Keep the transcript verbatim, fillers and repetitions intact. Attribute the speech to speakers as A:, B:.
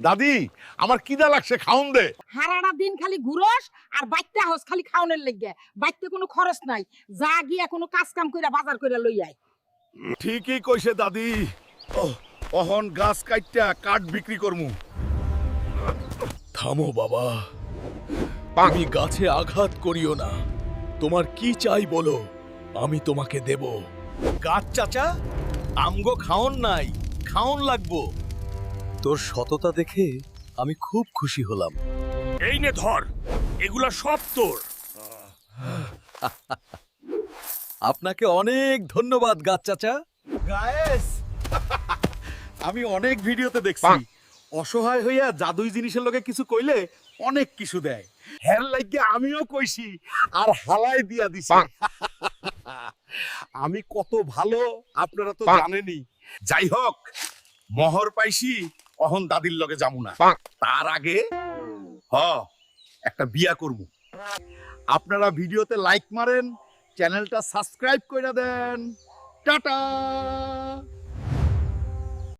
A: দাদি আমার কিদা লাগছে, খাওন দে।
B: হারাটা দিন খালি ঘুরস আর বাইতে হস খালি খাওনের লেগে। বাইতে কোনো খরচ নাই, যা গিয়া কোনো কাজ কাম কইরা বাজার কইরা লই আই।
A: ঠিকই কইছে দাদি। ওহ, অহন গাছ কাইটটা কাঠ বিক্রি করমু।
C: থামো বাবা, তুমি গাছে আঘাত করিও না। তোমার কি চাই বলো, আমি তোমাকে দেব। গাছ চাচা, আমগো খাওন নাই, খাওন লাগবো। তোর সততা দেখে আমি খুব খুশি হলাম।
D: এই নে ধর, এগুলা সব তোর।
C: আপনাকে অনেক ধন্যবাদ গাছ চাচা।
A: গায়েস, আমি অনেক ভিডিওতে দেখছি অসহায় হইয়া জাদুই জিনিসের লগে কিছু কইলে অনেক কিছু দেয়। হের লাগে আমিও কইছি আর হালাই দিয়া দিছি। আমি কত ভালো আপনারা তো জানেনই। যাই হোক, মোহর পাইছি, অহন দাদির লগে যামু না। তার আগে হ একটা বিয়া করবো। আপনারা ভিডিওতে লাইক মারেন, চ্যানেলটা সাবস্ক্রাইব কইরা দেন। টাটা।